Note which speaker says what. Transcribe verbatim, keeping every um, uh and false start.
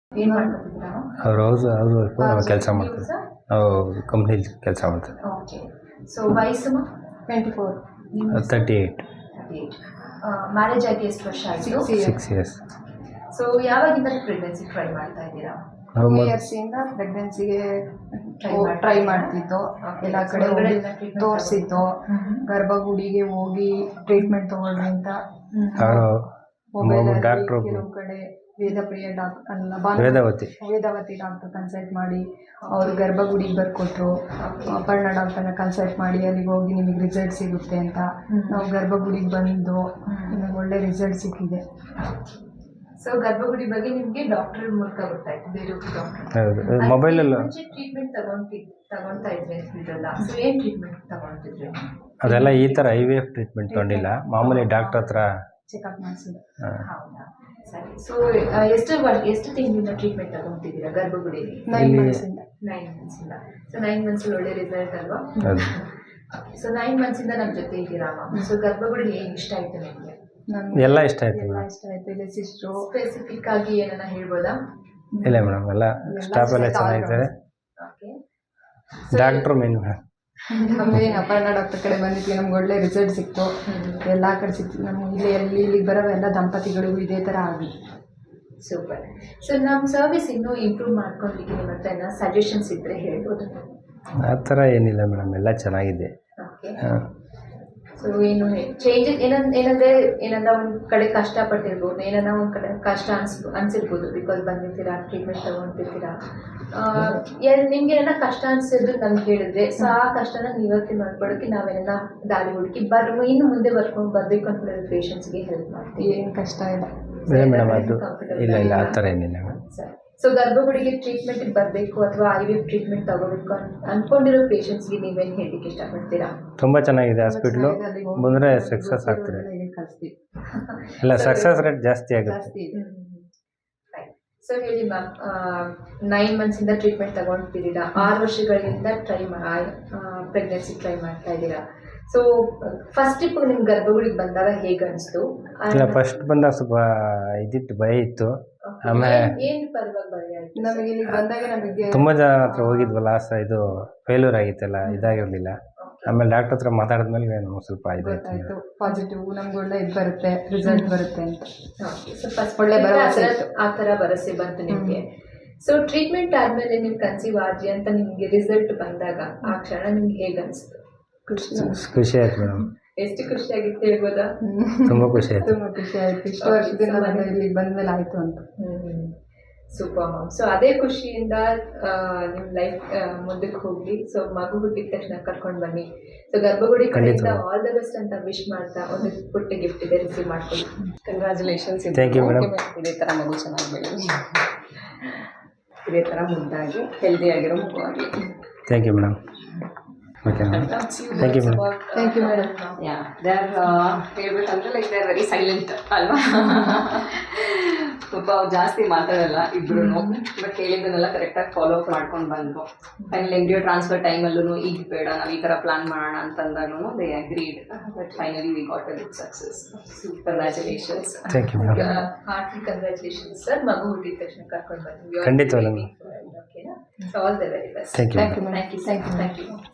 Speaker 1: ಏನು ಮಾಡ್ತಿದ್ದೀರಾ?
Speaker 2: ಅವ್ರು ಹೌಸ್ ಹೌಸ್ ವೈಫು ನಾವು ಕೆಲಸ
Speaker 1: ನೀವು
Speaker 2: ಮಾಡ್ತೀವಿ.
Speaker 1: ಸರ್?
Speaker 2: ನಾವು ಕಂಪ್ನಿಲಿ ಕೆಲಸ ಮಾಡ್ತೀವಿ.
Speaker 1: ಓಕೆ. ಸೊ ವಯಸ್ಸು
Speaker 3: twenty four
Speaker 2: thirty eight
Speaker 1: marriage ಆಗಿ ಎಷ್ಟು ವರ್ಷ ಆಯಿತು?
Speaker 2: Six years.
Speaker 1: ಸೊ ಯಾವಾಗಿಂದ ಪ್ರೆಗ್ನೆನ್ಸಿ ಟ್ರೈ ಮಾಡ್ತಾ ಇದ್ದೀರಾ?
Speaker 2: ನಾವು
Speaker 3: ಟೂ
Speaker 2: ಮೊದ್-
Speaker 3: ಇಯರ್ಸಿಂದ ಪ್ರೆಗ್ನೆನ್ಸಿಗೆ
Speaker 1: Try
Speaker 3: ಟ್ರೈ
Speaker 1: ಮಾಡ್ತಿದ್ರಾ?
Speaker 3: ಮಾಡ್ತಿದ್ದು
Speaker 1: Okay.
Speaker 3: ಎಲ್ಲ
Speaker 1: So
Speaker 3: ಕಡೆ
Speaker 1: ಹೊರಗಡೆ
Speaker 3: ಹೋಗಿ
Speaker 1: ಎಲ್ಲ treatment
Speaker 3: ತೋರಿಸಿದ್ದು
Speaker 1: ಹ್ಮ್.
Speaker 3: ಗರ್ಭಗುಡಿಗೆ ಹೋಗಿ ಟ್ರೀಟ್ಮೆಂಟ್ ತಗೊಳ್ಳಿ ಅಂತ
Speaker 2: ಅವರು
Speaker 3: ಮೊಬೈಲ್
Speaker 2: ಡಾಕ್ಟ್ರು
Speaker 3: ಕೆಲವು ಕಡೆ ವೇದಪ್ರಿಯ ಡಾಕ್ಟರ್ ಅಲ್ಲ ಭಾನು-
Speaker 2: ವೇದಾವತಿ
Speaker 3: ವೇದಾವತಿ ಡಾಕ್ಟರ್ ಕನ್ಸಲ್ಟ್ ಮಾಡಿ ಅವರು ಗರ್ಭಗುಡಿಗೆ ಬರ್ಕೊಟ್ರು. ಅಪರ್ಣ ಡಾಕ್ಟರ್ನ ಕನ್ಸಲ್ಟ್ ಮಾಡಿ ಅಲ್ಲಿಗೆ ಹೋಗಿ ನಿಮಗೆ ರಿಸಲ್ಟ್ ಸಿಗುತ್ತೆ ಅಂತ
Speaker 1: ಹ್ಮ್.
Speaker 3: ನಾವು ಗರ್ಭಗುಡಿಗೆ ಬಂದು
Speaker 1: ಹ್ಮ್.
Speaker 3: ನಮಗೆ ಒಳ್ಳೆ ರಿಸಲ್ಟ್ ಸಿಕ್ಕಿದೆ.
Speaker 1: ಸೊ ಗರ್ಭಗುಡಿ ಬಗ್ಗೆ ನಿಮಗೆ ಡಾಕ್ಟರ್ ಮೂಲಕ ಗೊತ್ತಾಯ್ತು, ಬೇರೆ ಡಾಕ್ಟರ್
Speaker 2: ಹೌದು ಮೊಬೈಲಲ್ಲ
Speaker 1: ಮುಂಚೆ ಟ್ರೀಟ್ಮೆಂಟ್ ತಗೊಂತಿ ತಗೊಂತಾ ಇದ್ರಿ ಅಂತಿದ್ರಲ್ಲ, ಸೊ ಏನ್ ಟ್ರೀಟ್ಮೆಂಟ್ ತಗೊಂತಿದ್ರಿ?
Speaker 2: ಅದೆಲ್ಲ ಈ ಥರ ಐ ವಿ ಎಫ್ ಟ್ರೀಟ್ಮೆಂಟ್ ತೊಗೊಂಡಿಲ್ಲ, ಮಾಮೂಲಿ ಡಾಕ್ಟ್ರ್ ಹತ್ರ.
Speaker 3: ಚೆಕಪ್ ಮಾಡಿಸಿದೆ.
Speaker 2: ಆ,
Speaker 1: ಹೌದಾ, ಸರಿ. ಸೊ ಎಷ್ಟು ವರ್- ಎಷ್ಟು ತಿಂಗಳಿಂದ ಟ್ರೀಟ್ಮೆಂಟ್ ತಗೊಂತಿದ್ದೀರಾ ಗರ್ಭಗುಡಿಲಿ?
Speaker 3: ನೈನ್
Speaker 2: ಇಲ್ಲಿ-
Speaker 3: ಮಂತ್ಸಿಂದ
Speaker 1: ನೈನ್ ಮಂತ್ಸ್ ಇಂದ. ಸೊ ನೈನ್ ಮಂತ್ಸ್ ಒಳ್ಳೆ ರಿಸಲ್ಟ್ ಅಲ್ವಾ?
Speaker 2: ಹೌದು.
Speaker 1: ಸೊ ನೈನ್ ಮಂತ್ಸ್ ಇಂದ ನಮ್ಮ ಜೊತೆ ಇದ್ದೀರಾ ಮ್ಯಾಮ್. ಸೊ ಗರ್ಭಗುಡಿ ಏನ್ ಇಷ್ಟ ಆಯ್ತು ನಿಮಗೆ?
Speaker 3: ನಮ್ಗೆ
Speaker 2: ಎಲ್ಲ ಇಷ್ಟ ಆಯ್ತು
Speaker 3: ಎಲ್ಲ
Speaker 2: ಮೇಡಮ್.
Speaker 3: ಇಷ್ಟ ಆಯ್ತು. ಇಲ್ಲಿ ಸಿಸ್ಟ್ರು
Speaker 1: ಸ್ಪೆಸಿಫಿಕ್ ಆಗಿ ಏನನ್ನ ಹೇಳ್ಬೋದಾ?
Speaker 2: ಇಲ್ಲ ಮೇಡಮ್, ಎಲ್ಲ ಸ್ಟಾಫ್ ಎಲ್ಲ ಚೆನ್ನಾಗಿದ್ದಾರೆ.
Speaker 1: ಓಕೆ.
Speaker 2: Doctor main madam.
Speaker 3: ನಮಗೆ ಅಪರ್ಣ ಡಾಕ್ಟರ್ ಕಡೆ ಬಂದಿದ್ವಿ, ನಮ್ಗೆ ಒಳ್ಳೆ ರಿಸಲ್ಟ್ ಸಿಕ್ತು. ಎಲ್ಲ ಕಡೆ ಸಿಕ್ತು ನಮ್ಗೆ. ಇಲ್ಲಿ ಎಲ್ಲಿ ಇಲ್ಲಿಗೆ ಬರೋ ಎಲ್ಲ ದಂಪತಿಗಳಿಗೂ ಇದೇ ಥರ ಆಗಿ.
Speaker 1: ಸೂಪರ್. ಸೊ ನಮ್ಮ ಸರ್ವಿಸ್ ಇನ್ನೂ ಇಂಪ್ರೂವ್ ಮಾಡ್ಕೊಳ್ಲಿಕ್ಕೆ ನಿಮ್ಮ ಹತ್ರ ಏನೋ ಸಜೆಷನ್ಸ್ ಇದ್ರೆ ಹೇಳ್ಬೋದು.
Speaker 2: ಆ ಥರ ಏನಿಲ್ಲ ಮೇಡಮ್, ಎಲ್ಲ ಚೆನ್ನಾಗಿದೆ.
Speaker 1: ಓಕೆ.
Speaker 2: ಆ,
Speaker 1: ಸೊ ಏನು ಚೇಂಜಸ್ ಏನಂದ್ ಏನಂದ್ರೆ ಏನಂದ್ರೆ ಒಂದು ಕಡೆ ಕಷ್ಟಪಟ್ಟಿರ್ಬೋದು, ಏನನ್ನ ಒಂದು ಕಡೆ ಕಷ್ಟ ಅನ್ಸ್ ಅನ್ಸಿರ್ಬೋದು, ಬಿಕಾಸ್ ಬಂದಿರ್ತೀರಾ, ಟ್ರೀಟ್ಮೆಂಟ್ ತಗೊಂತಿರ್ತೀರಾ. ನಿಮ್ಗೆ ಏನಾರ ಕಷ್ಟ ಅನ್ಸಿದ್ರು ನಮ್ಗೆ ಹೇಳಿದ್ರೆ, ಸೊ ಆ ಕಷ್ಟನ ನಿವೃತ್ತಿ ಮಾಡ್ಕೊಳಕ್ಕೆ ನಾವೇನ ದಾರಿ ಹುಡುಕಿ ಬರ್ ಇನ್ನು ಮುಂದೆ ಬರ್ಕೊಂಡು ಬರ್ಬೇಕು ಅಂತ ಪೇಷಂಟ್ಸ್ಗೆ ಹೆಲ್ಪ್ ಮಾಡ್ತೀವಿ.
Speaker 3: ಏನು ಕಷ್ಟ ಇಲ್ಲ.
Speaker 2: ಇಲ್ಲ ಮೇಡಮ್, ಅದು ಇಲ್ಲ ಇಲ್ಲ ಆ ಥರ ಏನಿಲ್ಲ ಮೇಡಮ್.
Speaker 1: ಸರಿ. ಸೊ ಗರ್ಭಗುಡಿಗೆ ಟ್ರೀಟ್ಮೆಂಟ್ಗೆ ಬರಬೇಕು ಅಥವಾ ಐ ವಿ ಎಫ್ ಟ್ರೀಟ್ಮೆಂಟ್ ತಗೋಬೇಕು ಅನ್ ಅನ್ಕೊಂಡಿರೋ ಪೇಷಂಟ್ಸ್ಗೆ ನೀವೇನು ಹೇಳಲಿಕ್ಕೆ ಇಷ್ಟಪಡ್ತೀರಾ?
Speaker 2: ತುಂಬ ಚೆನ್ನಾಗಿದೆ ಹಾಸ್ಪಿಟ್ಲು, ಬಂದರೆ ಸಕ್ಸಸ್ ಆಗ್ತದೆ.
Speaker 3: ಕಳಿಸ್ತೀವಿ.
Speaker 2: ಇಲ್ಲ, ಸಕ್ಸಸ್ ರೇಟ್ ಜಾಸ್ತಿ ಆಗುತ್ತೆ.
Speaker 3: ಜಾಸ್ತಿ ಇದೆ.
Speaker 1: ಸೊ ಹೇಳಿ ಮ್ಯಾಮ್, ನೈನ್ ಮಂತ್ಸಿಂದ ಟ್ರೀಟ್ಮೆಂಟ್ ತಗೊಳ್ತಿದ್ದೀರಾ, ಆರು ವರ್ಷಗಳಿಂದ ಟ್ರೈ ಪ್ರೆಗ್ನೆನ್ಸಿ ಟ್ರೈ ಮಾಡ್ತಾ ಇದ್ದೀರಾ. ಸೊ ಫಸ್ಟ್ ಟ್ರಿಪ್ ನಿಮ್ಗೆ ಗರ್ಭಗುಡಿಗೆ ಬಂದಾಗ ಹೇಗೆ ಅನಿಸ್ತು?
Speaker 2: ಇಲ್ಲ, ಫಸ್ಟ್ ಬಂದಾಗ ಸ್ವಲ್ಪ ಇದಿತ್ತು, ಭಯ ಇತ್ತು. ಆಮೇಲೆ
Speaker 1: ಏನು ಪರವಾಗಿ ಭಯ ಆಯ್ತು?
Speaker 3: ನಮಗೆ ಇಲ್ಲಿಗೆ ಬಂದಾಗ ನಮಗೆ
Speaker 2: ತುಂಬ ಜನ ಹತ್ರ ಹೋಗಿದ್ವಲ್ಲ, ಸ ಇದು ಫೇಲ್ಯೂರ್ ಆಗಿತ್ತಲ್ಲ, ಇದಾಗಿರಲಿಲ್ಲ. ಆಮೇಲೆ ಡಾಕ್ಟರ್ ಹತ್ರ ಮಾತಾಡಿದ್ಮೇಲೆ ನಮ್ಗೆ ಸ್ವಲ್ಪ ಇದಾಯ್ತು.
Speaker 3: ಗೊತ್ತಾಯ್ತು ಪಾಸಿಟಿವ್ ನಮ್ಗೆ ಒಳ್ಳೆ ಇದು ಬರುತ್ತೆ, ರಿಸಲ್ಟ್ ಬರುತ್ತೆ ಅಂತ.
Speaker 1: Okay. So first
Speaker 3: ಒಳ್ಳೆ
Speaker 1: ಒಳ್ಳೆ
Speaker 3: ಭರವಸೆ
Speaker 1: ಭರವಸೆ
Speaker 3: ಇತ್ತು.
Speaker 1: ಆ ಥರ ಭರವಸೆ ಬಂತು ನಿಮಗೆ. ಸೊ ಟ್ರೀಟ್ಮೆಂಟ್ ಆದ್ಮೇಲೆ ನೀವು ಕನ್ಸೀವ್ ಆದ್ರಿ ಅಂತ ನಿಮಗೆ ರಿಸಲ್ಟ್ ಬಂದಾಗ ಆ ಕ್ಷಣ ನಿಮ್ಗೆ ಹೇಗೆ ಅನಿಸ್ತು?
Speaker 3: ಖುಷಿ
Speaker 2: ಖುಷಿ ಆಯ್ತು ಮೇಡಮ್,
Speaker 1: ಎಷ್ಟು ಖುಷಿ ಆಗಿತ್ತು ಹೇಳ್ಬೋದಾ?
Speaker 2: ತುಂಬ ಖುಷಿ ಆಯ್ತು.
Speaker 3: ತುಂಬ ಖುಷಿ ಆಯ್ತು. ಇಷ್ಟು ವರ್ಷದಿಂದ ನಾನು ಇಲ್ಲಿಗೆ ಬಂದ್ಮೇಲೆ ಆಯ್ತು ಅಂತ.
Speaker 1: Super ma'am. ಸೊ ಅದೇ ಖುಷಿಯಿಂದ ನಿಮ್ಮ ಲೈಫ್ ಮುಂದಕ್ಕೆ ಹೋಗ್ಲಿ. ಸೊ ಮಗು ಹುಟ್ಟಿದ ತಕ್ಷಣ ಕರ್ಕೊಂಡು ಬನ್ನಿ. ಸೊ ಗರ್ಭಗುಡಿ ಕಡೆಯಿಂದ ಆಲ್ ದ ಬೆಸ್ಟ್ ಅಂತ ವಿಶ್ ಮಾಡ್ತಾ ಒಂದು ಪುಟ್ಟ ಗಿಫ್ಟ್ ಇದೆ, ರಿಸೀವ್ ಮಾಡ್ಕೊಳ್ಳಿ.
Speaker 3: ಕಂಗ್ರ್ಯಾಚುಲೇಷನ್ಸ್.
Speaker 2: Thank you, madam.
Speaker 3: ಇದೇ ಥರ ಮಗು ಚೆನ್ನಾಗಿ ಬೆಳೀಲಿ, ಇದೇ ಥರ ಮುದ್ದಾಗಿ ಹೆಲ್ದಿಯಾಗಿರೋ ಮಗು ಆಗಲಿ.
Speaker 2: Thank you madam. Okay madam, thank you madam.
Speaker 3: Thank you madam.
Speaker 4: Yeah they are ಹೇಳ್ಬೇಕಂದ್ರೆ like they are very silent ಅಲ್ವಾ. ಪಾಪ ಅವ್ರು ಜಾಸ್ತಿ ಮಾತಾಡಲ್ಲ ಇಬ್ರು, ಬಟ್ ಹೇಳಿದ್ದನ್ನೆಲ್ಲ ಕರೆಕ್ಟಾಗಿ ಫಾಲೋ ಅಪ್ ಮಾಡ್ಕೊಂಡು ಬಂದರು. ಫೈನಲ್ ಎಂಬ್ರಿಯೋ ಟ್ರಾನ್ಸ್ಫರ್ ಟೈಮಲ್ಲೂ ಈಗ ಬೇಡ ನಾವು ಈ ಥರ ಪ್ಲಾನ್ ಮಾಡೋಣ ಅಂತಂದಾಗೂ they agreed. But finally we got a good success. Congratulations.
Speaker 2: Thank you madam.
Speaker 1: Heartly congratulations sir. ಮಗು ಹುಟ್ಟಿದ ತಕ್ಷಣ ಕರ್ಕೊಂಡು ಬನ್ನಿ.
Speaker 2: ಖಂಡಿತವಾಗ್ಲೂ.
Speaker 1: ಓಕೆನಾ? So all the very best.
Speaker 2: Thank you
Speaker 3: thank you
Speaker 1: thank you thank you thank you